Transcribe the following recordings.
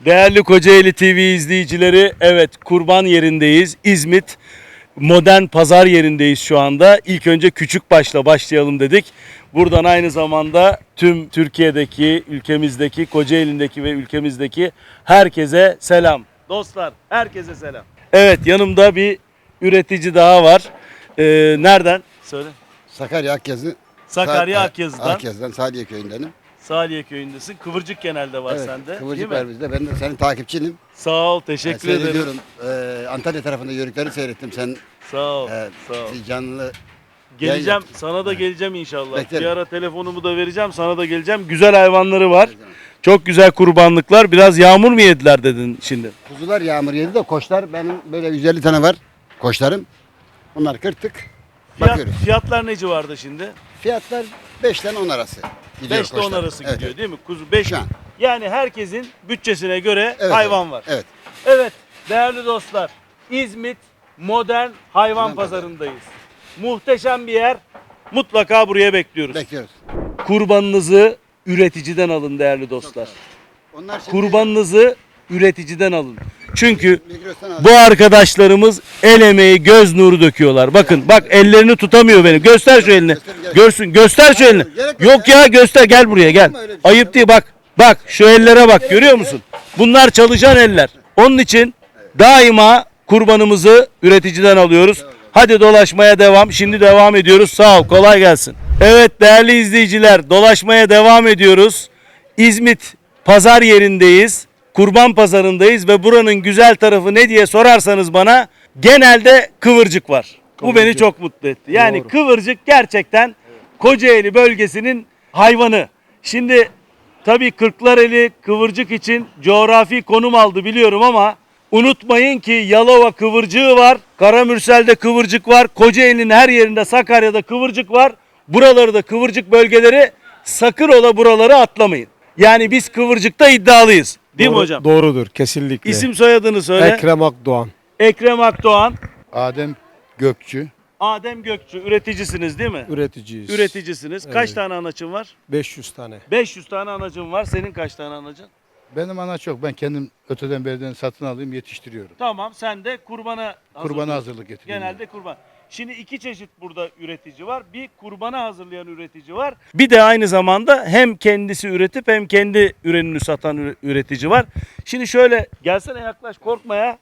Değerli Kocaeli TV izleyicileri, evet kurban yerindeyiz. İzmit modern pazar yerindeyiz şu anda. İlk önce Küçükbaş'la başlayalım dedik. Buradan aynı zamanda tüm Türkiye'deki, ülkemizdeki, Kocaeli'ndeki ve ülkemizdeki herkese selam. Dostlar, herkese selam. Evet, yanımda bir üretici daha var. Nereden? Söyle. Sakarya Akyazı. Sakarya Akyazı'dan. Akyazı'dan Saliye köyündenim. Saliye köyündesin. Kıvırcık genelde var Evet, sende. Değil Kıvırcık mi? var bizde. Ben de senin takipçinim. Sağ ol, teşekkür ederim. Seyrediyorum. Antalya tarafında yörükleri seyrettim. Sen Sağ ol, e, sağ ol. bir canlı Geleceğim, yayın sana da geleceğim inşallah. Beklerim. Bir ara telefonumu da vereceğim, sana da geleceğim. Güzel hayvanları var. Evet. Çok güzel kurbanlıklar. Biraz yağmur mu yediler dedin şimdi? kuzular yağmur yedi de koçlar benim böyle 150 tane var. Koçlarım. Bunlar kırtık. Bakıyoruz. Fiyatlar ne civarda şimdi? Fiyatlar 5'ten 10 arası. Gidiyor 5 ile 10 koçlar. arası Evet, gidiyor evet. değil mi? Kuzu 5. Şu an. Yani herkesin bütçesine göre Evet, hayvan evet. var. Evet. Evet değerli dostlar, İzmit modern hayvan Hayvan pazarındayız. Muhteşem bir yer. Mutlaka buraya bekliyoruz. Bekliyoruz. Kurbanınızı üreticiden alın değerli dostlar. Onlar şimdi Kurbanınızı üreticiden alın. Çünkü Migros'tan aldım. bu arkadaşlarımız el emeği, göz nuru döküyorlar. Bakın bak ellerini tutamıyor benim. Göster şu elini. Görsün. Göster şu elini. Yok ya göster, gel buraya gel. Ayıp değil bak. Bak şu ellere bak, görüyor musun? Bunlar çalışan eller. Onun için daima kurbanımızı üreticiden alıyoruz. Hadi dolaşmaya devam. Şimdi devam ediyoruz. Sağ ol. Kolay gelsin. Evet değerli izleyiciler, dolaşmaya devam ediyoruz. İzmit pazar yerindeyiz. Kurban pazarındayız ve buranın güzel tarafı ne diye sorarsanız bana, genelde kıvırcık var. Bu beni çok mutlu etti. Yani Doğru. kıvırcık gerçekten Kocaeli bölgesinin hayvanı. Şimdi tabii Kırklareli kıvırcık için coğrafi konum aldı biliyorum ama unutmayın ki Yalova kıvırcığı var, Karamürsel'de kıvırcık var, Kocaeli'nin her yerinde, Sakarya'da kıvırcık var. Buraları da kıvırcık bölgeleri, sakın ola buraları atlamayın. Yani biz kıvırcıkta iddialıyız. Değil mi hocam? Doğrudur kesinlikle. İsim soyadını söyle. Ekrem Akdoğan. Ekrem Akdoğan, Adem Gökçü. Adem Gökçü, üreticisiniz değil mi? Üreticiyiz. Üreticisiniz. Kaç Evet. tane anaçın var? 500 tane. 500 tane anacın var. Senin kaç tane anacın? Benim ana çok. Ben kendim öteden beriden satın alayım, yetiştiriyorum. Tamam, sen de kurbana Kurbana hazırlık getiriyorum. Genelde kurban. Şimdi iki çeşit burada üretici var. Bir kurbana hazırlayan üretici var. Bir de aynı zamanda hem kendisi üretip hem kendi ürününü satan üretici var. Şimdi şöyle gelsene, yaklaş, korkma ya.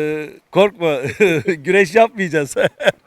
Korkma. Güreş yapmayacağız.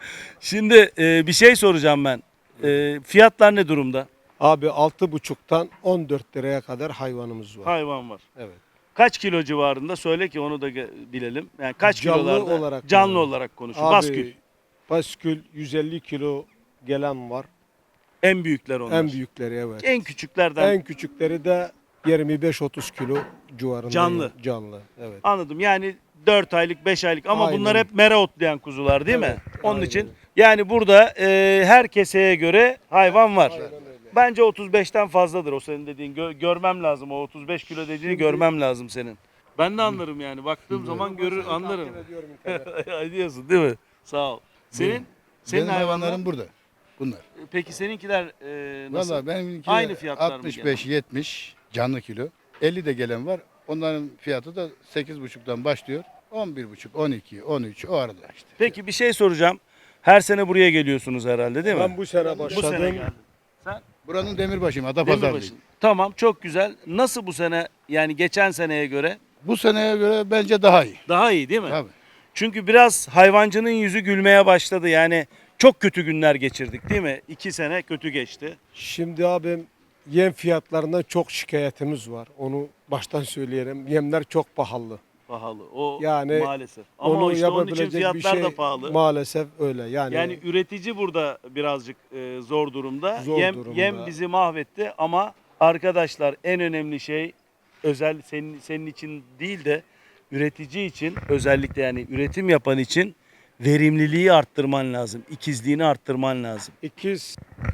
Şimdi bir şey soracağım ben. Fiyatlar ne durumda? Abi 6,5'tan 14 liraya kadar hayvanımız var. Hayvan var. Evet. Kaç kilo civarında? Söyle ki onu da bilelim. Yani kaç Canlı kilolarda? olarak Canlı mı? olarak konuşun. Abi, Baskül. Baskül 150 kilo gelen var. En büyükler onlar. En büyükleri evet. En küçüklerden. En küçükleri de 25-30 kilo civarında. Canlı. Canlı. Evet. Anladım. Yani 4 aylık, 5 aylık ama Aynen. bunlar hep mera otlayan kuzular değil mi? Evet, Onun aynen için öyle. yani burada her keseye göre hayvan var. Aynen öyle. Bence 35'ten fazladır o senin dediğin. Görmem lazım, o 35 kilo dediğini Şimdi- görmem lazım senin. Ben de anlarım yani. Baktığım zaman anlarım. Takip ediyorum internette. Diyorsun değil mi? Sağ ol. Senin Benim hayvanların hayvanlarım burada. Bunlar. peki seninkiler nasıl? Valla benimki Aynı fiyatlar mı 65-70 canlı kilo. 50 de gelen var. Onların fiyatı da 8,5'tan başlıyor. 11,5, 12, 13 o arada işte. Peki bir şey soracağım. Her sene buraya geliyorsunuz herhalde değil mi? Ben bu sene Bu sene başladım. geldim. Sen Buranın demirbaşıyım. Adapazarlıyım. Demirbaşı'nın. Tamam, çok güzel. Nasıl bu sene, yani geçen seneye göre? Bu seneye göre bence daha iyi. Daha iyi değil mi? Tabii. Çünkü biraz hayvancının yüzü gülmeye başladı. Yani çok kötü günler geçirdik değil mi? 2 sene kötü geçti. Şimdi abim yem fiyatlarından çok şikayetimiz var. Onu baştan söyleyelim. Yemler çok pahalı. Pahalı. O Yani maalesef. Ama Onu işte onun için yapabilecek bir fiyatlar şey da pahalı. maalesef öyle. Yani, Üretici burada birazcık zor durumda. Zor yem, durumda. yem bizi mahvetti ama arkadaşlar en önemli şey, özel senin için değil de üretici için, özellikle yani üretim yapan için verimliliği arttırman lazım. İkizliğini arttırman lazım. ikiz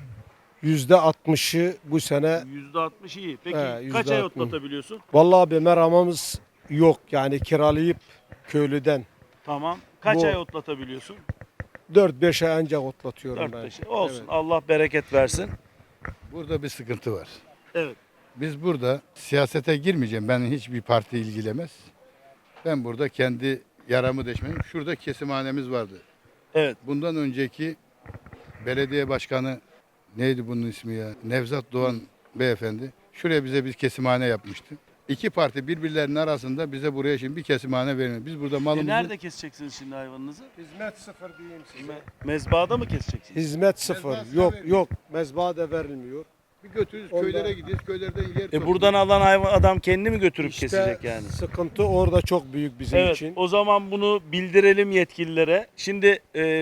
%60'ı bu sene. %60 iyi. Peki He, kaç ay %60. otlatabiliyorsun? Vallahi abi meramamız yok. Yani kiralayıp köylüden Tamam. Kaç Bu- ay otlatabiliyorsun? 4-5 ay ancak otlatıyorum 4-5 ben. ay. Olsun. Evet. Allah bereket versin. Burada bir sıkıntı var. Evet. Biz burada siyasete girmeyeceğim. Ben hiçbir parti ilgilemez. Ben burada kendi yaramı deşmedim. Şurada kesimhanemiz vardı. Evet. Bundan önceki belediye başkanı neydi bunun ismi ya? Nevzat Doğan beyefendi. Şuraya bize bir kesimhane yapmıştı. İki parti birbirlerinin arasında bize buraya şimdi bir kesimhane vermiyor. Biz burada malımızı... Nerede keseceksiniz şimdi hayvanınızı? Hizmet sıfır diyeyim size. Mezbahada mı keseceksiniz? Hizmet sıfır. Mezbahada Yok vermiyor. yok. Mezbaha da verilmiyor. Bir götürürüz köylere gidiyoruz. Köylerden yer Buradan alan hayvan adam kendi mi götürüp İşte kesecek yani? sıkıntı orada çok büyük bizim Evet, için. o zaman bunu bildirelim yetkililere. Şimdi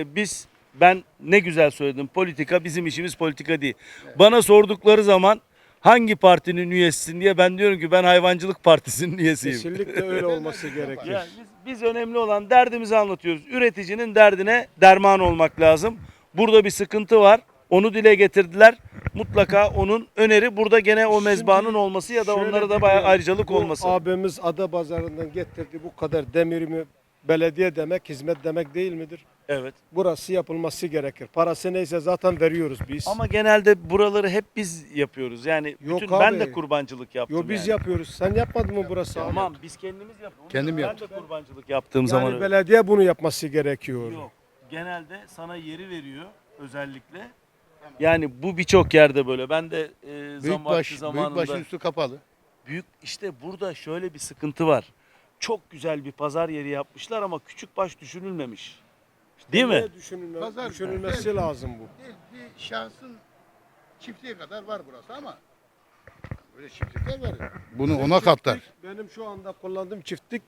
ben ne güzel söyledim, politika bizim işimiz politika değil. Bana sordukları zaman hangi partinin üyesisin diye ben diyorum ki ben hayvancılık partisinin üyesiyim. Kesinlikle öyle olması gerekir. Yani biz önemli olan derdimizi anlatıyoruz. Üreticinin derdine derman olmak lazım. Burada bir sıkıntı var. Onu dile getirdiler. Mutlaka onun öneri burada gene o mezbahanın olması ya da Şöyle onlara da bir bayağı durum, ayrıcalık bu olması. Abimiz Adapazarı'ndan getirdi bu kadar demirimi, belediye demek hizmet demek değil midir? Evet. Burası yapılması gerekir. Parası neyse zaten veriyoruz biz. Ama genelde buraları hep biz yapıyoruz. Yani Yok bütün ben abi. de kurbancılık yaptım. Yo biz yani. yapıyoruz. Sen yapmadın mı burası abi? Tamam biz kendimiz yapıyoruz. Kendim ben yaptım. de kurbancılık yaptığım Yani zaman öyle. belediye bunu yapması gerekiyor. Yok. Genelde sana yeri veriyor özellikle. Yani bu birçok yerde böyle. Ben de zamanında Büyükbaşın üstü kapalı. işte burada şöyle bir sıkıntı var. Çok güzel bir pazar yeri yapmışlar ama küçük baş düşünülmemiş. Değil mi? Niye Pazar- düşünülmesi lazım bu. Bir şahsın çiftliği kadar var burası ama böyle çiftlikler var. Bunu ona katlar. Benim şu anda kullandığım çiftlik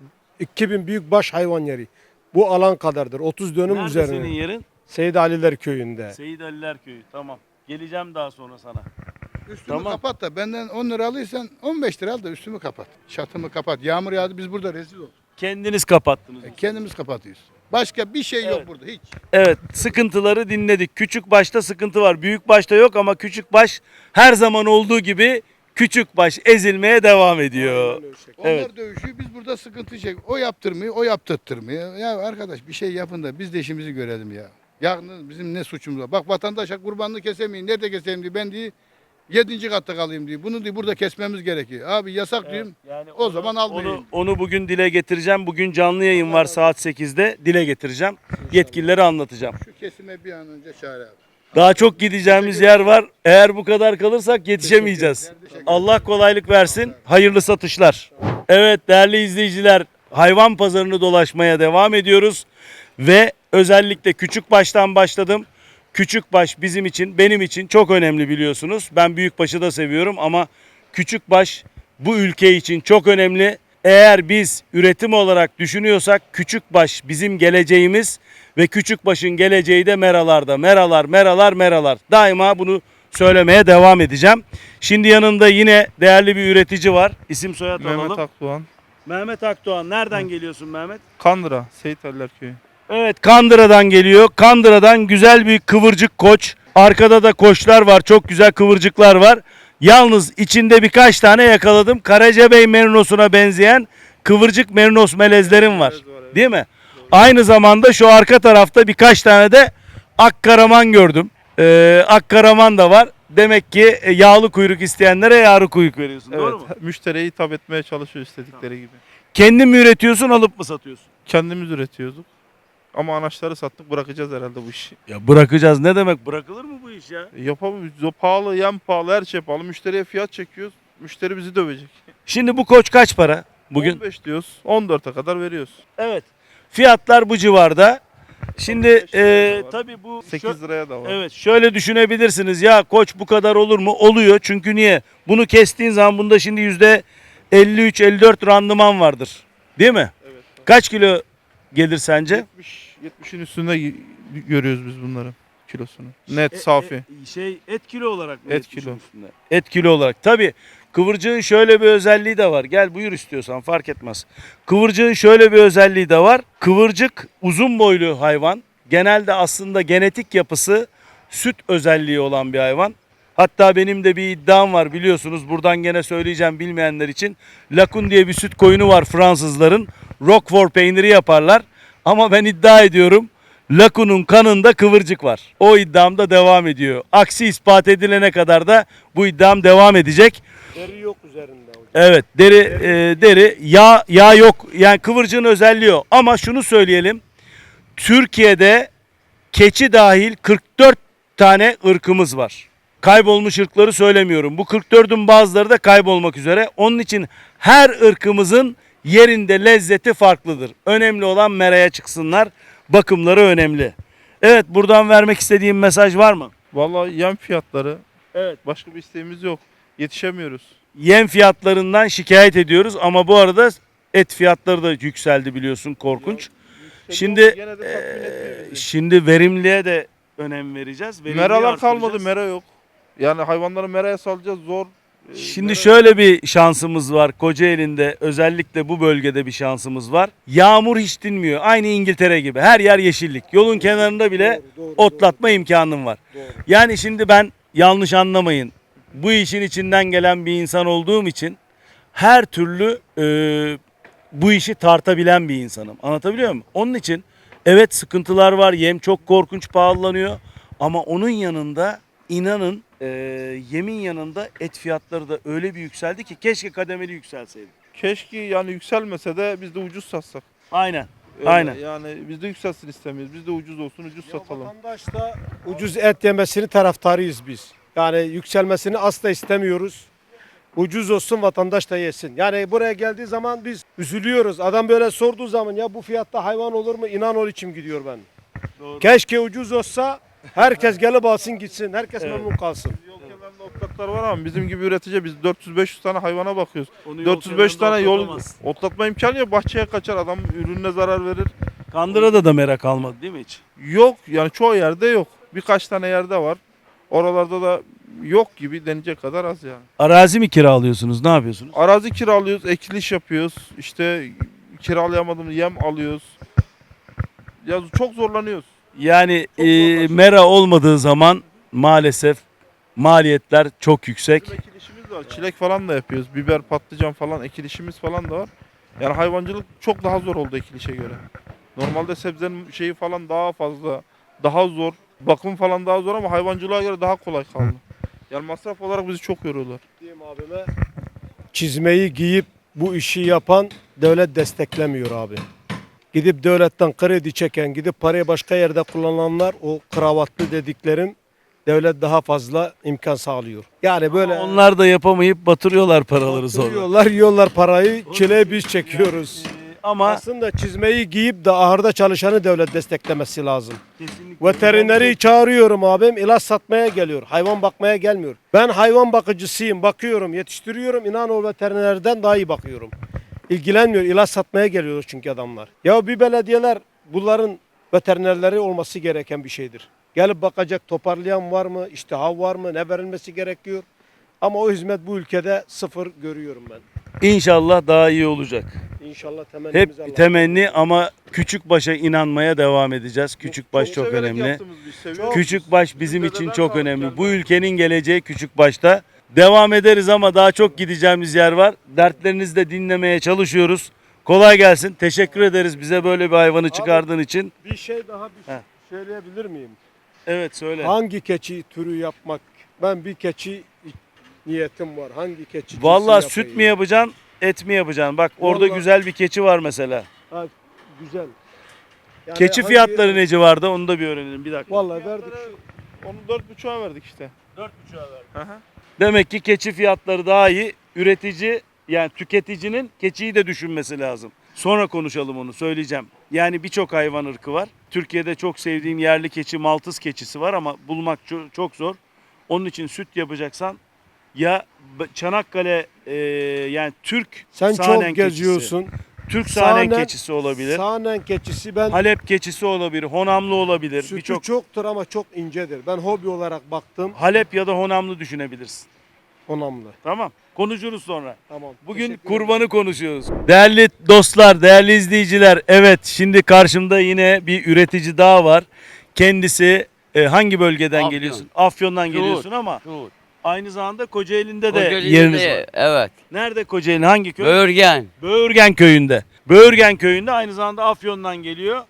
2000 büyükbaş hayvan yeri. Bu alan kadardır. 30 dönüm Nerede üzerine. senin yerin? Seyit Aliler köyünde. Seyit Aliler Köyü. Tamam. Geleceğim daha sonra sana. Üstümü Tamam. kapat da benden 10 lira alırsan 15 lira al da üstümü kapat. Çatımı kapat. Yağmur yağdı biz burada rezil olduk. Kendiniz kapattınız. Kendimiz kapatıyoruz. Başka bir şey yok Evet. burada hiç. Evet, sıkıntıları dinledik. Küçük başta sıkıntı var. Büyük başta yok ama küçük baş her zaman olduğu gibi küçük baş ezilmeye devam ediyor. Aynen öyle şey. Onlar Evet. dövüşüyor biz burada sıkıntı çek. O yaptırmıyor, o yaptırtmıyor. Ya arkadaş bir şey yapın da biz de işimizi görelim ya. Ya bizim ne suçumuz var? Bak vatandaşa kurbanını kesemeyin. Nerede keseyim diye ben diye 7. katta kalayım diye. Bunu diye burada kesmemiz gerekiyor. Abi yasak diyorum. Yani O zaman almayın. Onu bugün dile getireceğim. Bugün canlı yayın var saat 8'de. Dile getireceğim. Yetkililere anlatacağım. Şu kesime bir an önce çare abi. Daha çok gideceğimiz yer var. Eğer bu kadar kalırsak yetişemeyeceğiz. Allah kolaylık versin. Hayırlı satışlar. Evet değerli izleyiciler, hayvan pazarını dolaşmaya devam ediyoruz ve özellikle küçükbaştan başladım. Küçükbaş bizim için, benim için çok önemli biliyorsunuz. Ben büyükbaşı da seviyorum ama küçükbaş bu ülke için çok önemli. Eğer biz üretim olarak düşünüyorsak küçükbaş bizim geleceğimiz ve küçükbaşın geleceği de meralarda. Meralar. Daima bunu söylemeye devam edeceğim. Şimdi yanında yine değerli bir üretici var. İsim soyad Mehmet alalım. Akdoğan. Mehmet Akdoğan. Nereden geliyorsun Mehmet? Kandıra, Seyit Aliler Köyü. Evet, Kandıra'dan geliyor. Kandıra'dan güzel bir kıvırcık koç. Arkada da koçlar var. Çok güzel kıvırcıklar var. Yalnız içinde birkaç tane yakaladım. Karacabey merinosuna benzeyen kıvırcık merinos melezlerim var. Değil mi? Aynı zamanda şu arka tarafta birkaç tane de Akkaraman gördüm. Akkaraman da var. Demek ki yağlı kuyruk isteyenlere yağlı kuyruk veriyorsun. Doğru mu? Evet, müşteriye hitap etmeye çalışıyor istedikleri gibi. Kendin mi üretiyorsun, alıp mı satıyorsun? Kendimiz üretiyorduk. Ama anaçları sattık, bırakacağız herhalde bu işi. Ya bırakacağız. Ne demek? Bırakılır mı bu iş ya? Yapamıyoruz. O pahalı, yem pahalı, her şey pahalı. Müşteriye fiyat çekiyoruz. Müşteri bizi dövecek. Şimdi bu koç kaç para bugün? 15 diyoruz, 14'e kadar veriyoruz. Evet. Fiyatlar bu civarda. Şimdi 15 liraya da var. tabii bu 8 liraya da var. evet şöyle düşünebilirsiniz. Ya koç bu kadar olur mu? Oluyor. Çünkü niye? Bunu kestiğin zaman bunda şimdi %53-54 randıman vardır. Değil mi? Evet. Kaç kilo gelir sence? 70'in üstünde görüyoruz biz bunların kilosunu. Net, safi. Et kilo olarak mı? Et kilo. Et kilo olarak. Tabii kıvırcığın şöyle bir özelliği de var. Gel buyur istiyorsan fark etmez. Kıvırcığın şöyle bir özelliği de var. Kıvırcık uzun boylu hayvan. Genelde aslında genetik yapısı süt özelliği olan bir hayvan. Hatta benim de bir iddiam var biliyorsunuz. Buradan gene söyleyeceğim bilmeyenler için. Lakun diye bir süt koyunu var Fransızların. Roquefort peyniri yaparlar. Ama ben iddia ediyorum. Lakun'un kanında kıvırcık var. O iddiam da devam ediyor. Aksi ispat edilene kadar da bu iddiam devam edecek. Deri yok üzerinde hocam. Evet, deri yağ yok. Yani kıvırcığın özelliği o. Ama şunu söyleyelim. Türkiye'de keçi dahil 44 tane ırkımız var. Kaybolmuş ırkları söylemiyorum. Bu 44'ün bazıları da kaybolmak üzere. Onun için her ırkımızın yerinde lezzeti farklıdır. Önemli olan meraya çıksınlar. Bakımları önemli. Evet, buradan vermek istediğim mesaj var mı? Vallahi yem fiyatları. Evet. Başka bir isteğimiz yok. Yetişemiyoruz. Yem fiyatlarından şikayet ediyoruz ama bu arada et fiyatları da yükseldi biliyorsun, korkunç. Şimdi Gene de tatmin etmiyor bizi. şimdi verimliğe de önem vereceğiz. Verimliği Meralar kalmadı, artıracağız. mera yok. Yani hayvanları meraya salacağız zor. Şimdi Mera- şöyle bir şansımız var. Kocaeli'nde özellikle bu bölgede bir şansımız var. Yağmur hiç dinmiyor. Aynı İngiltere gibi. Her yer yeşillik. Yolun kenarında bile otlatma imkanım var. Yani şimdi ben, yanlış anlamayın, bu işin içinden gelen bir insan olduğum için her türlü bu işi tartabilen bir insanım. Anlatabiliyor muyum? Onun için evet, sıkıntılar var. Yem çok korkunç pahalanıyor. Ama onun yanında inanın yemin yanında et fiyatları da öyle bir yükseldi ki keşke kademeli yükselseydi. Keşke yani yükselmese de biz de ucuz satsak. Aynen. Öyle, Aynen. Yani biz de yükselsin istemiyoruz. Biz de ucuz olsun, ucuz satalım. Vatandaş da ucuz et yemesini taraftarıyız biz. Yani yükselmesini asla istemiyoruz. Ucuz olsun, vatandaş da yesin. Yani buraya geldiği zaman biz üzülüyoruz. Adam böyle sorduğu zaman ya bu fiyatta hayvan olur mu? İnan ol içim gidiyor ben. Doğru. Keşke ucuz olsa herkes gelip alsın gitsin. Herkes Evet. memnun kalsın. Yol kenarında otlaklar var ama bizim gibi üretici biz 400-500 tane hayvana bakıyoruz. Onu yol 405 kenarında tane yol otlatamaz. otlatma imkanı yok. Bahçeye kaçar adam, ürününe zarar verir. Kandıra'da da merak kalmadı değil mi hiç? Yok yani çoğu yerde yok. Birkaç tane yerde var. Oralarda da yok gibi denecek kadar az yani. Arazi mi kiralıyorsunuz? Ne yapıyorsunuz? Arazi kiralıyoruz, ekiliş yapıyoruz. İşte kiralayamadığımız yem alıyoruz. Ya çok zorlanıyoruz. Yani Çok zorlaşıyor. mera olmadığı zaman maalesef maliyetler çok yüksek. Bizim ekilişimiz var. Çilek falan da yapıyoruz. Biber, patlıcan falan ekilişimiz falan da var. Yani hayvancılık çok daha zor oldu ekilişe göre. Normalde sebzenin şeyi falan daha fazla, daha zor. Bakım falan daha zor ama hayvancılığa göre daha kolay kaldı. Yani masraf olarak bizi çok yoruyorlar. Diyeyim abime, çizmeyi giyip bu işi yapan devlet desteklemiyor abi. Gidip devletten kredi çeken, gidip parayı başka yerde kullananlar, o kravatlı dediklerim, devlet daha fazla imkan sağlıyor. Yani böyle Onlar da yapamayıp batırıyorlar paraları sonra. yiyorlar parayı, çileyi biz çekiyoruz. Ama Aslında çizmeyi giyip de ahırda çalışanı devlet desteklemesi lazım. kesinlikle Veterineri çağırıyorum abim, ilaç satmaya geliyor. Hayvan bakmaya gelmiyor. Ben hayvan bakıcısıyım, bakıyorum, yetiştiriyorum. İnan o veterinerden daha iyi bakıyorum. İlgilenmiyor, ilaç satmaya geliyor çünkü adamlar. Ya bir belediyeler bunların veterinerleri olması gereken bir şeydir. Gelip bakacak, toparlayan var mı, iştihar var mı, ne verilmesi gerekiyor. Ama o hizmet bu ülkede sıfır görüyorum ben. İnşallah daha iyi olacak. İnşallah temennimiz Allah. Hep temenni ama küçük başa inanmaya devam edeceğiz. Küçük baş çok severek önemli. yaptığımız bir iş, seviyoruz. Küçük baş bizim Dededen için çok kaldı önemli. yani. Bu ülkenin geleceği küçük başta. Devam ederiz ama daha çok gideceğimiz yer var. Dertlerinizi de dinlemeye çalışıyoruz. Kolay gelsin. Teşekkür ederiz bize böyle bir hayvanı çıkardığın için. Bir şey daha Heh. söyleyebilir miyim? Evet, söyle. Hangi keçi türü yapmak? Ben bir keçi niyetim var. Hangi keçi cinsi Vallahi süt yapayım? mü yapacaksın, et mi yapacaksın? Bak orada Vallahi- güzel bir keçi var mesela. Ha, güzel. Yani Keçi hangi- fiyatları ne civarda onu da bir öğrenelim bir dakika. Vallahi verdik. Onu 4,5'a verdik işte. 4,5'a verdik. Aha. Demek ki keçi fiyatları daha iyi. Üretici, yani tüketicinin keçiyi de düşünmesi lazım. Sonra konuşalım, onu söyleyeceğim. Yani birçok hayvan ırkı var. Türkiye'de çok sevdiğim yerli keçi, Maltız keçisi var ama bulmak çok zor. Onun için süt yapacaksan ya Çanakkale yani Türk Sen sahnen çok geziyorsun. keçisi, Türk sahnen Sahnen- keçisi olabilir. Sahnen keçisi ben Halep keçisi olabilir, Honamlı olabilir. sütü Birçok çoktur ama çok incedir. Ben hobi olarak baktım. Halep ya da Honamlı düşünebilirsin. Onamlı. Tamam. Konuşuruz sonra. Tamam. Bugün Teşekkür kurbanı konuşuyoruz. Değerli dostlar, değerli izleyiciler. Evet, şimdi karşımda yine bir üretici daha var. Kendisi hangi bölgeden Afyon. geliyorsun? Afyon'dan Şuur. geliyorsun ama Şuur. aynı zamanda Kocaeli'nde de Kocaeli'de yeriniz de- var. Evet. Nerede Kocaeli? Hangi köy? Böğürgen. Böğürgen köyünde. Böğürgen köyünde, aynı zamanda Afyon'dan geliyor.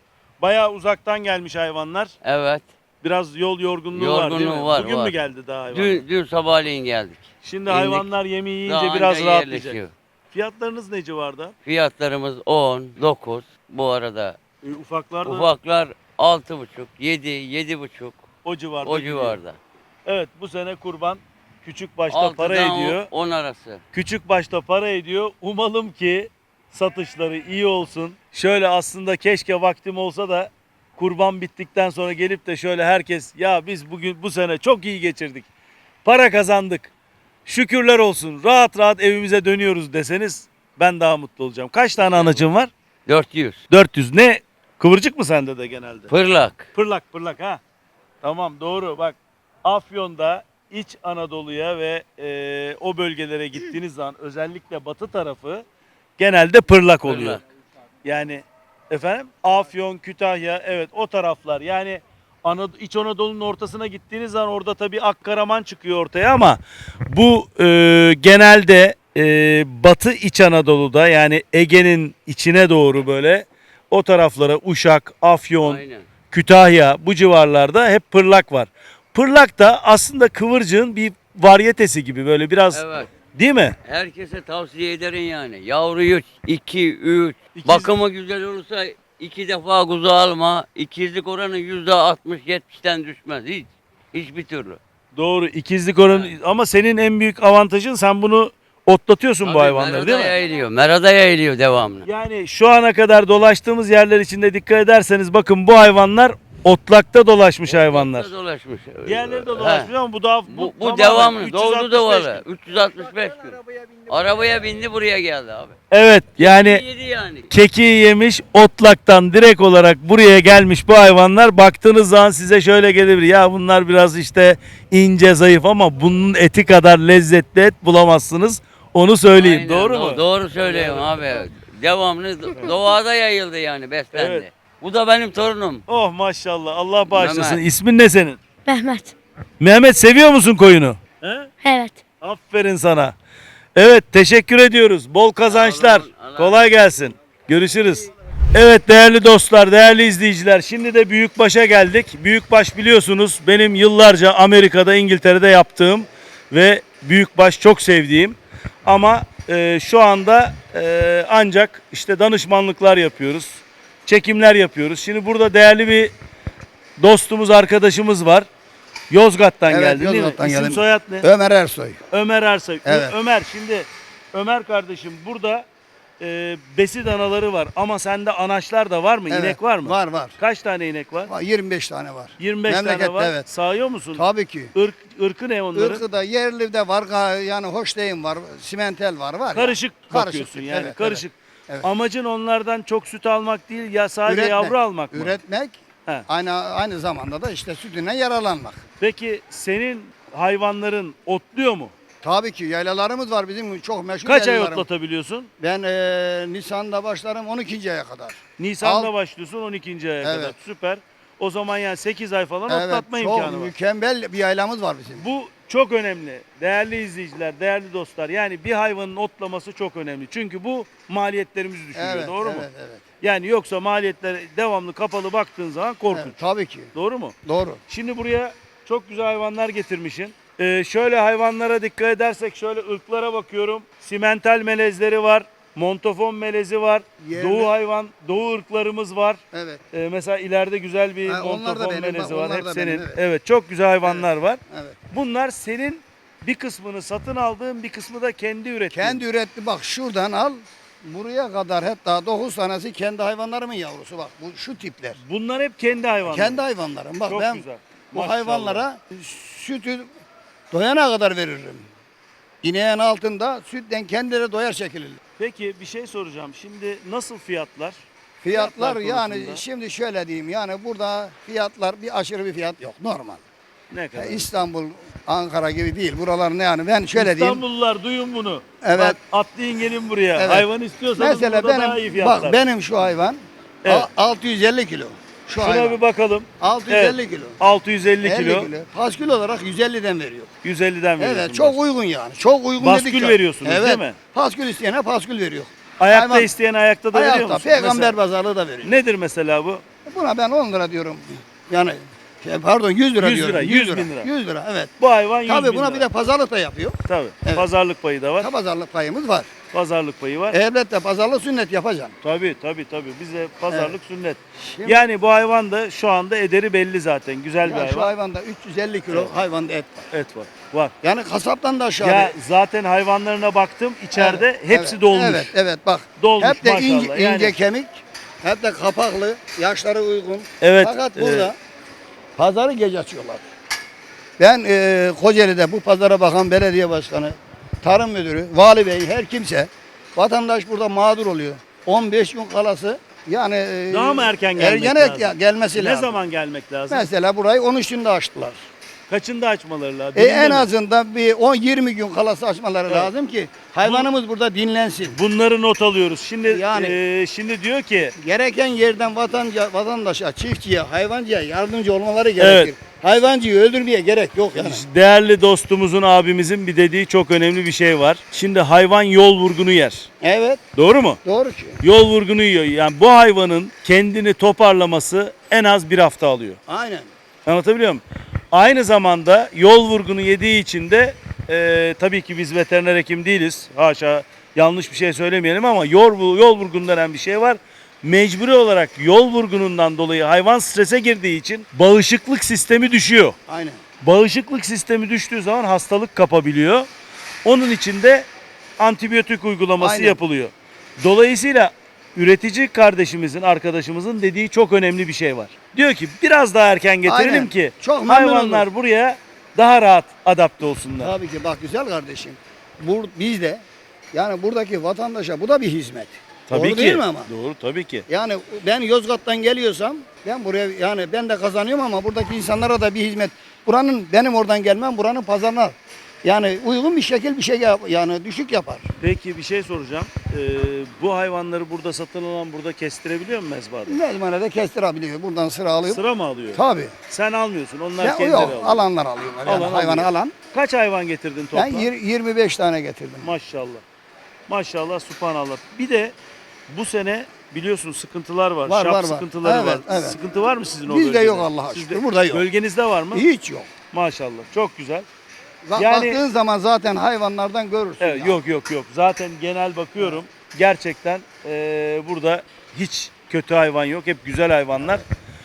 Bayağı uzaktan gelmiş hayvanlar. Evet. Biraz yol yorgunluğu var değil mi? Yorgunluğu var, Bugün var. mü geldi daha hayvanlar? Dün sabahleyin geldik. Şimdi indik. hayvanlar yemeği yiyince Daha biraz anca rahatlayacak. yerleşiyor. Fiyatlarınız ne civarda? Fiyatlarımız 10, 9. Bu arada Ufaklar da ufaklar 6,5, 7, 7,5 o civarda. o gidiyor. civarda. Evet, bu sene kurban küçük başta para 6'dan ediyor. 10 arası. Küçük başta para ediyor. Umalım ki satışları iyi olsun. Şöyle aslında keşke vaktim olsa da kurban bittikten sonra gelip de şöyle herkes ya biz bugün bu sene çok iyi geçirdik. Para kazandık. Şükürler olsun. Rahat rahat evimize dönüyoruz deseniz ben daha mutlu olacağım. Kaç tane anacığım var? 400. 400. Ne? Kıvırcık mı sende de genelde? Pırlak. Pırlak ha. Tamam doğru bak. Afyon'da İç Anadolu'ya ve o bölgelere gittiğiniz zaman özellikle batı tarafı genelde pırlak oluyor. Pırlak. Yani efendim Afyon, Kütahya evet o taraflar yani İç Anadolu'nun ortasına gittiğiniz zaman orada tabii Akkaraman çıkıyor ortaya ama bu genelde Batı İç Anadolu'da yani Ege'nin içine doğru böyle o taraflara Uşak, Afyon, Aynen. Kütahya bu civarlarda hep pırlak var. Pırlak da aslında kıvırcığın bir varyetesi gibi böyle biraz Evet. değil mi? Herkese tavsiye ederim yani. Yavruyu 2, 3. İkiz- Bakımı güzel olursa 2 defa kuzu alma. İkizlik oranı %60-70'ten düşmez. Hiçbir türlü. Doğru ikizlik oranı ama senin en büyük avantajın sen bunu otlatıyorsun bu Tabii hayvanları değil mi? yayılıyor. Merada yayılıyor devamlı. Yani şu ana kadar dolaştığımız yerler içinde dikkat ederseniz bakın bu hayvanlar otlakta dolaşmış hayvanlar. Dolaşmış. Diğerleri de He. dolaşmış ama bu daha Bu tamamen devamlı. 365 Doğdu da var. gün. 365 gün. Arabaya bindi buraya geldi abi. Evet yani Yedi yani. kekiği yemiş otlaktan direkt olarak buraya gelmiş bu hayvanlar. Baktığınız zaman size şöyle gelebilir. Ya bunlar biraz işte ince zayıf ama bunun eti kadar lezzetli et bulamazsınız. Onu söyleyeyim. Aynen, Doğru mu? Doğru söylüyorum abi. Devamlı doğada yayıldı yani beslendi. Evet. Bu da benim torunum. Oh maşallah. Allah bağışlasın. Mehmet. İsmin ne senin? Mehmet. Mehmet seviyor musun koyunu? He? Evet. Aferin sana. Evet teşekkür ediyoruz. Bol kazançlar. Sağ olun, Allah Kolay gelsin. Görüşürüz. Evet değerli dostlar, değerli izleyiciler. Şimdi de Büyükbaş'a geldik. Büyükbaş biliyorsunuz benim yıllarca Amerika'da, İngiltere'de yaptığım ve Büyükbaş çok sevdiğim. Ama şu anda ancak işte danışmanlıklar yapıyoruz. Çekimler yapıyoruz. Şimdi burada değerli bir dostumuz, arkadaşımız var. Yozgat'tan Evet, geldin değil mi? Yozgat'tan İsim geldim. soyad ne? Ömer Ersoy. Ömer Ersoy. Evet. Ömer şimdi Ömer kardeşim burada besi danaları var ama sende anaçlar da var mı? Evet, İnek var mı? Var var. Kaç tane inek var? 25 tane var. 25 tane Memlekette var. evet. Sağıyor musun? Tabii ki. Irkı ne onların? Irkı da yerli de var. Yani Hoşteyn var. Simentel var. Var. Karışık ya. bakıyorsun Karışık, yani evet, karışık. evet. Amacın onlardan çok süt almak değil ya sadece Üretmek, yavru almak mı? Üretmek. He. Aynı zamanda da işte sütünden yararlanmak. Peki senin hayvanların otluyor mu? Tabii ki yaylalarımız var bizim çok meşhur Kaç ay yaylalarımız. otlatabiliyorsun? Ben Nisan'da başlarım 12. aya kadar. Nisan'da başlıyorsun 12. aya kadar. Evet. Süper. O zaman yani 8 ay falan otlatma çok imkanı var. mükemmel bir yaylamız var bizim. Bu çok önemli. Değerli izleyiciler, değerli dostlar. Yani bir hayvanın otlaması çok önemli. Çünkü bu maliyetlerimizi düşürüyor. Evet, doğru mu? evet, evet. Yani yoksa maliyetler devamlı kapalı baktığın zaman korkunç. Evet, tabii ki. Doğru mu? Doğru. Şimdi buraya çok güzel hayvanlar getirmişsin. Şöyle hayvanlara dikkat edersek şöyle ırklara bakıyorum. Simental melezleri var. Montafon melezi var. Yerli. Doğu hayvan, doğu ırklarımız var. Evet. Mesela ileride güzel bir Ha, onlar da montafon benim, melezi bak, var. onlar Hep da senin. benim, evet. Evet, çok güzel hayvanlar var. Evet. Bunlar senin bir kısmını satın aldığın, bir kısmı da kendi ürettiğin. Kendi üretti bak şuradan al. Buraya kadar hatta 9 tanesi kendi hayvanlarımın yavrusu bak. Bu şu tipler. Bunlar hep kendi hayvanlar. Kendi hayvanlarım. Bak Çok ben güzel. bu Maşallah. hayvanlara sütü doyana kadar veririm. İneğin altında sütten kendileri doyar şekilde. Peki bir şey soracağım. Şimdi nasıl fiyatlar? Fiyatlar yani konusunda. şimdi şöyle diyeyim yani burada fiyatlar bir aşırı bir fiyat yok normal. Ne kadar? İstanbul, Ankara gibi değil. Buralar ne yani ben şöyle diyeyim. İstanbullular duyun bunu. Evet. Bak atlayın gelin buraya. Evet. Hayvan istiyorsanız Mesela burada daha iyi benim fiyatlar. bak benim şu hayvan Evet. 650 kilo. Şu Şuna hayvan. bir bakalım. 650 Evet. kilo. 650 50 kilo. kilo. Paskül olarak 150'den veriyor. 150'den veriyorsun. Evet çok uygun yani. Çok uygun Baskül dedik ya. veriyorsunuz, evet. değil mi? Paskül isteyene paskül veriyor. Ayakta Hayvan- isteyen ayakta da veriyor Ayakta musun? peygamber Mesela- pazarlığı da veriyor. Nedir mesela bu? Buna ben 10 lira diyorum. Yani pardon 100 lira 100 diyorum. lira, 100 bin lira. 100 lira evet. Bu hayvan 100 Tabii bin buna lira. bir de pazarlık da yapıyor. Tabii. Evet. Pazarlık payı da var. Pazarlık payımız var. Pazarlık payı var. Elbette pazarlık sünnet yapacağım. Tabii. Bize pazarlık sünnet. Şimdi- Yani bu hayvan da şu anda ederi belli zaten. Güzel bir Ya şu hayvan. hayvanda 350 kilo hayvanda et var. Et var. Var. Yani kasaptan da aşağı. Ya zaten hayvanlarına baktım içeride Evet, hepsi evet, dolmuş. Evet bak. Dolmuş hep de maşallah. ince Yani- kemik. Hep de kapaklı. Yaşları uygun. Evet, Fakat burada pazarı gece açıyorlar. Ben Kocaeli'de bu pazara bakan belediye başkanı, tarım müdürü, vali bey her kimse vatandaş burada mağdur oluyor. 15 gün kalası yani Daha mı erken gelmek erken lazım? gelmesi Ne lazım. zaman gelmek lazım? Mesela burayı 13'ünde açtılar. Kaçında açmaları lazım? En Birinde mi? azından bir 10-20 gün kalası açmaları lazım ki hayvanımız burada dinlensin. Bunları not alıyoruz. Şimdi Yani- şimdi diyor ki Gereken yerden vatandaşa, çiftçiye, hayvancıya yardımcı olmaları gerekir. Hayvancıyı öldürmeye gerek yok yani. değerli dostumuzun abimizin bir dediği çok önemli bir şey var. Şimdi hayvan yol vurgunu yer. Evet, Doğru mu? doğru ki. Yol vurgunu yiyor. Yani bu hayvanın kendini toparlaması en az bir hafta alıyor. Aynen. Anlatabiliyor muyum? Aynı zamanda yol vurgunu yediği için de tabii ki biz veteriner hekim değiliz. Haşa yanlış bir şey söylemeyelim ama yol vurgunu denen bir şey var. Mecburi olarak yol vurgunundan dolayı hayvan strese girdiği için bağışıklık sistemi düşüyor. Aynen. Bağışıklık sistemi düştüğü zaman hastalık kapabiliyor. Onun için de antibiyotik uygulaması Aynen. yapılıyor. Dolayısıyla üretici kardeşimizin, arkadaşımızın dediği çok önemli bir şey var. Diyor ki biraz daha erken getirelim Aynen. ki Çok memnun hayvanlar oldum. buraya daha rahat adapte olsunlar. Tabii ki bak güzel kardeşim. Biz de yani buradaki vatandaşa bu da bir hizmet. Tabii Doğru ki. değil mi ama? Doğru tabii ki. Yani ben Yozgat'tan geliyorsam ben buraya yani ben de kazanıyorum ama buradaki insanlara da bir hizmet. Buranın benim oradan gelmem buranın pazarına yani uygun bir şekil bir şey yani düşük yapar. Peki bir şey soracağım. Bu hayvanları burada satın alan burada kestirebiliyor mu mezbahada? Mezmanede kestirebiliyor. Buradan sıra alıyor. Sıra mı alıyor? Tabii. Sen almıyorsun. Onlar Ya, kendileri yok alıyor. alanlar alıyorlar. Yani Alan hayvanı alıyor. alan. Kaç hayvan getirdin Ben toplam? 25 tane getirdim. Maşallah. Maşallah, subhanallah. Bir de bu sene biliyorsun sıkıntılar var. Var, Şap var. sıkıntıları Evet, var. evet. Sıkıntı var mı sizin o Bizde bölgede? yok Allah'a Sizde- şükür, burada yok. Bölgenizde var mı? Hiç yok. Maşallah. Çok güzel. Yani, baktığın zaman zaten hayvanlardan görürsün. Evet, ya. yok. Zaten genel bakıyorum. Gerçekten burada hiç kötü hayvan yok. Hep güzel hayvanlar.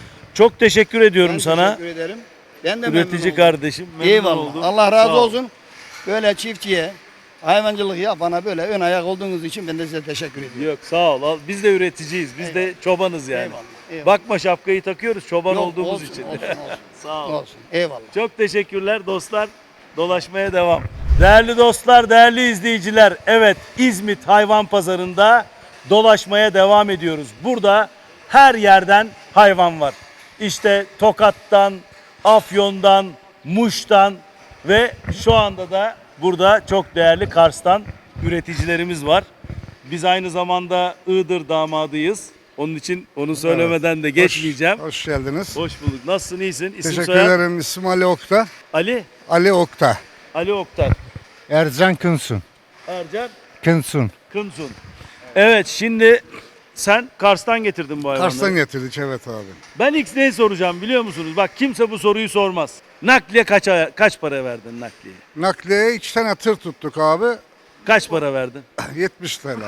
Çok teşekkür ediyorum Ben sana. teşekkür ederim. Ben de memnun Üretici oldum. kardeşim. Memnun Eyvallah. oldum. Allah razı Sağ ol. olsun. Böyle çiftçiye, hayvancılık yapana böyle ön ayak olduğunuz için ben de size teşekkür ediyorum. Yok sağ ol. Biz de üreticiyiz. Biz de çobanız yani. Eyvallah. Bakma şapkayı takıyoruz çoban Yok, olduğumuz olsun, için. Olsun, Sağ ol. olsun. Eyvallah. Çok teşekkürler dostlar. Dolaşmaya devam. Değerli dostlar, değerli izleyiciler. Evet, İzmit Hayvan Pazarı'nda dolaşmaya devam ediyoruz. Burada her yerden hayvan var. İşte Tokat'tan, Afyon'dan, Muş'tan ve şu anda da burada çok değerli Kars'tan üreticilerimiz var. Biz aynı zamanda Iğdır damadıyız. Onun için onu söylemeden de geçmeyeceğim. Hoş geldiniz. Hoş bulduk. Nasılsın? İyisin? İsim Teşekkür soyad? ederim. İsmim Ali Okta. Ali. Ali Okta. Ali Oktar. Ercan Kınsun. Ercan Kınsun. Kınsun. Evet, şimdi sen Kars'tan getirdin bu hayvanları. Kars'tan getirdik evet abi. Ben ilk neyi soracağım biliyor musunuz? Bak kimse bu soruyu sormaz. Nakliye kaç para verdin nakliye? Nakliye 2 tane tır tuttuk abi. Kaç para verdin? 70 TL.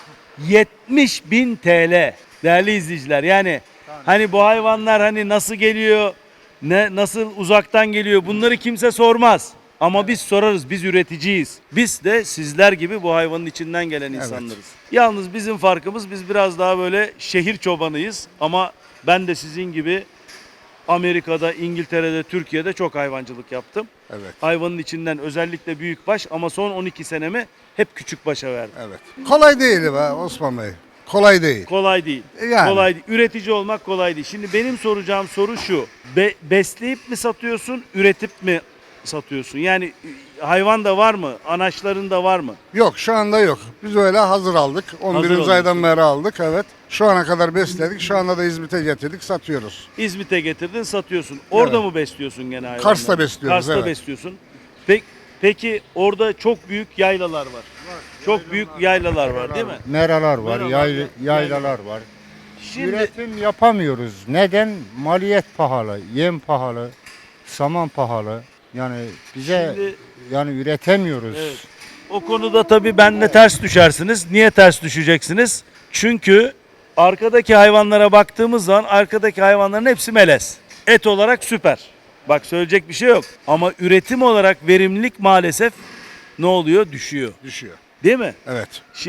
70.000 TL. Değerli izleyiciler yani hani bu hayvanlar hani nasıl geliyor, nasıl uzaktan geliyor bunları kimse sormaz. Ama biz sorarız, biz üreticiyiz. Biz de sizler gibi bu hayvanın içinden gelen insanlarız. Yalnız bizim farkımız biz biraz daha böyle şehir çobanıyız. Ama ben de sizin gibi Amerika'da, İngiltere'de, Türkiye'de çok hayvancılık yaptım. Evet. Hayvanın içinden özellikle büyükbaş ama son 12 senemi hep küçükbaşa verdim. Evet. Kolay değil be Osman Bey. Kolay değil. Kolay değil. Yani. Kolay değil. Üretici olmak kolay değil. Şimdi benim soracağım soru şu. Besleyip mi satıyorsun, üretip mi satıyorsun? Yani hayvan da var mı? Anaçların da var mı? Yok şu anda yok. Biz öyle hazır aldık. 11. alıyorsun. aydan beri aldık evet. Şu ana kadar besledik. Şu anda da İzmit'e getirdik satıyoruz. İzmit'e getirdin, satıyorsun. Orada Evet. mı besliyorsun gene hayvanları? Kars'ta besliyoruz, Kars'ta evet. besliyorsun. Peki orada çok büyük yaylalar var. Çok büyük yaylalar var değil mi? Meralar var, Meralar, yaylalar var. Şimdi Üretim yapamıyoruz. Neden? Maliyet pahalı, yem pahalı, saman pahalı. Yani bize Şimdi- yani üretemiyoruz. Evet. O konuda tabii benle ters düşersiniz. Niye ters düşeceksiniz? Çünkü arkadaki hayvanlara baktığımız zaman arkadaki hayvanların hepsi melez. Et olarak süper. Bak söyleyecek bir şey yok. Ama üretim olarak verimlilik maalesef ne oluyor? Düşüyor. Düşüyor. Değil mi? Evet.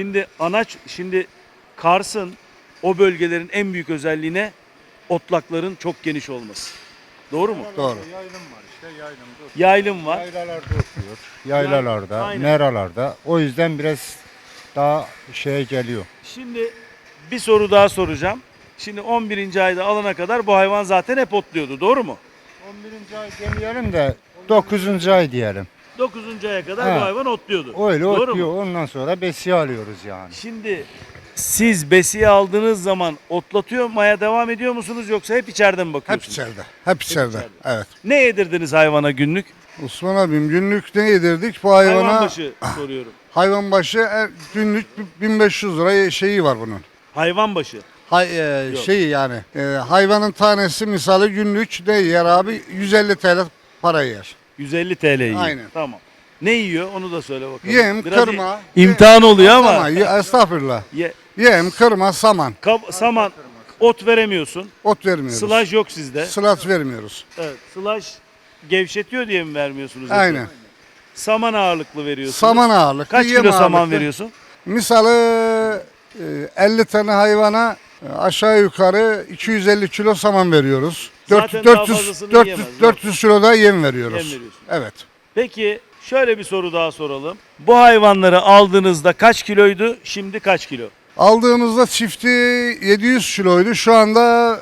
Şimdi Kars'ın o bölgelerin en büyük özelliği ne? Otlakların çok geniş olması. Doğru mu? Doğru. Yaylım var işte, yaylımda. Yaylım var. Yaylalarda oturuyor. Yaylalarda, Aynen. meralarda. O yüzden biraz daha şeye geliyor. Şimdi bir soru daha soracağım. Şimdi 11. ayda alana kadar bu hayvan zaten hep otluyordu. Doğru mu? 11. ay demeyelim de 9. ay diyelim. 9. aya kadar Ha. bu hayvan otluyordu. Öyle Doğru otluyor. mu? Ondan sonra besiye alıyoruz yani. Şimdi siz besiye aldığınız zaman otlatıyor maya devam ediyor musunuz yoksa hep içeride mi Hep bakıyorsunuz? içeride. Hep içeride. içeride. Evet. Ne yedirdiniz hayvana günlük? Osman abim günlük ne yedirdik bu hayvana? Hayvan başı soruyorum. Hayvan başı günlük 1500 lira şeyi var bunun. Hayvan başı. Yok. Şeyi yani hayvanın tanesi misali günlük ne yer abi 150 TL para yer. 150 TL yiyor. Aynen. Tamam. Ne yiyor onu da söyle bakalım. Yem, Biraz kırma. imtihan oluyor ama. Saman, estağfurullah. Ye, Yem, kırma, saman. saman, ot veremiyorsun. Ot vermiyoruz. Sılaj yok sizde. Sılat vermiyoruz. Evet. Sılaj gevşetiyor diye mi vermiyorsunuz? eti? Aynen. Saman ağırlıklı veriyorsunuz. Saman ağırlık. Kaç yem kilo saman ağırlıklı. veriyorsun? Misali 50 tane hayvana aşağı yukarı 250 kilo saman veriyoruz. Zaten daha fazlasını yiyemez, 400 kilo da yem veriyoruz. Yem veriyorsun. Evet. Peki şöyle bir soru daha soralım. Bu hayvanları aldığınızda kaç kiloydu? Şimdi kaç kilo? Aldığımızda çifti 700 kiloydu. Şu anda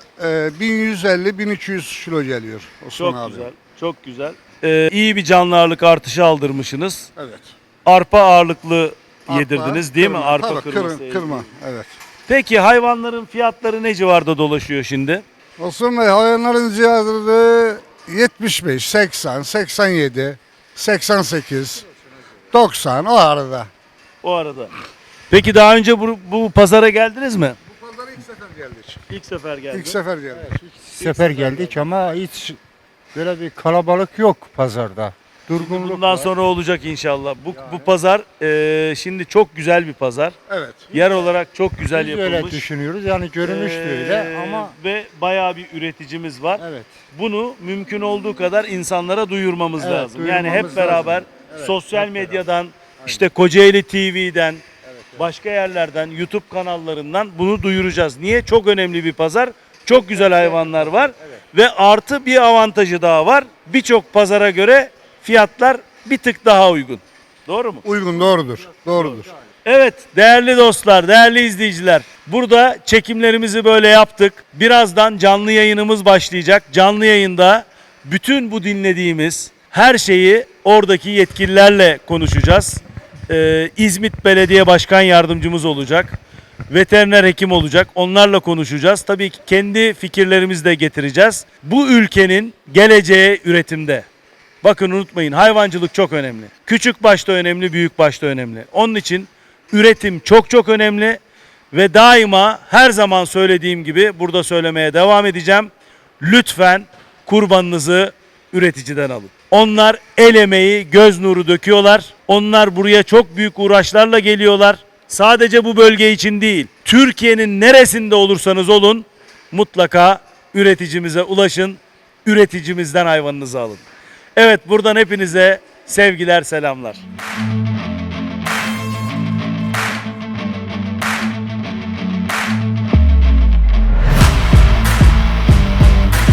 1150-1200 kilo geliyor. Osman Çok abi. güzel. Çok güzel. İyi bir canlı ağırlık artışı aldırmışsınız. Evet. Arpa ağırlıklı Arpa, yedirdiniz değil mi? kırma. Arpa Tabii, kırması. kırma. Evet. Peki hayvanların fiyatları ne civarda dolaşıyor şimdi? Osman Bey hayvanların cihazları 75, 80, 87, 88, 90 o arada. O arada. Peki daha önce bu pazara geldiniz mi? Bu pazara ilk sefer geldik. İlk sefer geldim. İlk sefer geldik. Sefer geldik ama hiç böyle bir kalabalık yok pazarda. Durgunluk Bundan var. sonra olacak inşallah. Bu pazar şimdi çok güzel bir pazar. Evet. Yer olarak çok güzel Biz de öyle yapılmış. düşünüyoruz. Yani görünüş de öyle ama Ve bayağı bir üreticimiz var. evet. Bunu mümkün olduğu kadar insanlara duyurmamız Evet, lazım. Yani hep duyurmamız beraber lazım. Evet, sosyal hep medyadan, işte Kocaeli TV'den, başka yerlerden, YouTube kanallarından bunu duyuracağız. Niye? Çok önemli bir pazar. Çok güzel hayvanlar var ve artı bir avantajı daha var. Birçok pazara göre fiyatlar bir tık daha uygun. Doğru mu? Uygun doğrudur. Doğrudur. Evet değerli dostlar, değerli izleyiciler. Burada çekimlerimizi böyle yaptık. Birazdan canlı yayınımız başlayacak. Canlı yayında bütün bu dinlediğimiz her şeyi oradaki yetkililerle konuşacağız. İzmit Belediye Başkan Yardımcımız olacak. Veteriner hekim olacak. Onlarla konuşacağız. Tabii ki kendi fikirlerimizi de getireceğiz. Bu ülkenin geleceği üretimde. Bakın unutmayın hayvancılık çok önemli. Küçük başta önemli, büyük başta önemli. Onun için üretim çok çok önemli ve daima her zaman söylediğim gibi burada söylemeye devam edeceğim. Lütfen kurbanınızı üreticiden alın. Onlar el emeği, göz nuru döküyorlar. Onlar buraya çok büyük uğraşlarla geliyorlar. Sadece bu bölge için değil, Türkiye'nin neresinde olursanız olun mutlaka üreticimize ulaşın. Üreticimizden hayvanınızı alın. Evet buradan hepinize sevgiler, selamlar.